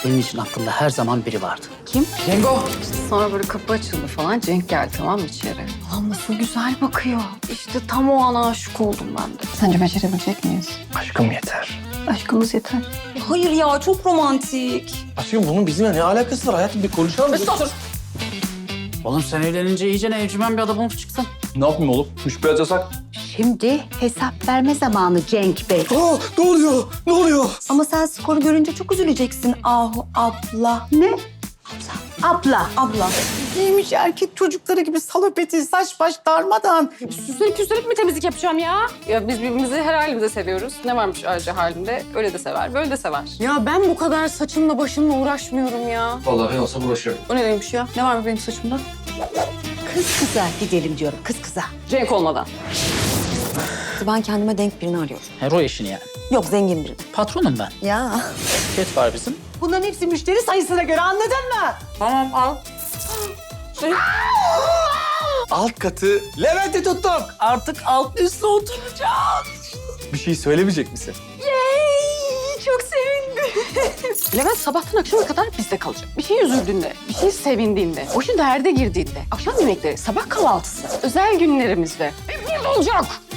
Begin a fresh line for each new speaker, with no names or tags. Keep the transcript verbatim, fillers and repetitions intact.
Senin için aklımda her zaman biri vardı.
Kim?
Cengo.
Sonra böyle kapı açıldı falan. Cenk geldi tamam mı içeri? Allah'ım nasıl güzel bakıyor. İşte tam o an aşık oldum ben de. Sence becerebilecek miyiz?
Aşkım yeter.
Aşkımız yeter. Hayır ya çok romantik.
Aşkım bunun bizimle ne alakası var hayatım? Bir konuşalım.
Oğlum sen evlenince iyice ne evcimen bir adam olup çıksın.
Ne yapayım oğlum? Müşbihat yasak.
Şimdi hesap verme zamanı Cenk Bey.
Aa, ne oluyor? Ne oluyor?
Ama sen skoru görünce çok üzüleceksin Ahu abla.
Ne? Abla.
Abla.
Giymiş erkek çocukları gibi salopeti, saç baş darmadan.
Süslenip püslenip mi temizlik yapacağım ya? Ya biz birbirimizi her halimizde seviyoruz. Ne varmış ayrıca halinde? Öyle de sever, böyle de sever. Ya ben bu kadar saçımla başımla uğraşmıyorum ya.
Vallahi ben olsam uğraşırım.
O ne demiş ya? Ne var mı benim saçımda?
Kız kıza gidelim diyorum, kız kıza.
Cenk olmadan.
Ben kendime denk birini arıyorum.
Hero eşini yani.
Yok zengin birini.
Patronum ben.
Ya.
Şirket var bizim.
Bunların hepsi müşteri sayısına göre, anladın mı?
Tamam al.
Alt katı Levent'i tuttuk.
Artık alt üstte oturacağız.
Bir şey söylemeyecek misin?
Çok sevindim. Levent sabahtan akşama kadar bizde kalacak. Bir şey üzüldüğünde, bir şey sevindiğinde, başı derde girdiğinde, akşam yemekleri, sabah kahvaltısı, özel günlerimizde hep burada olacak.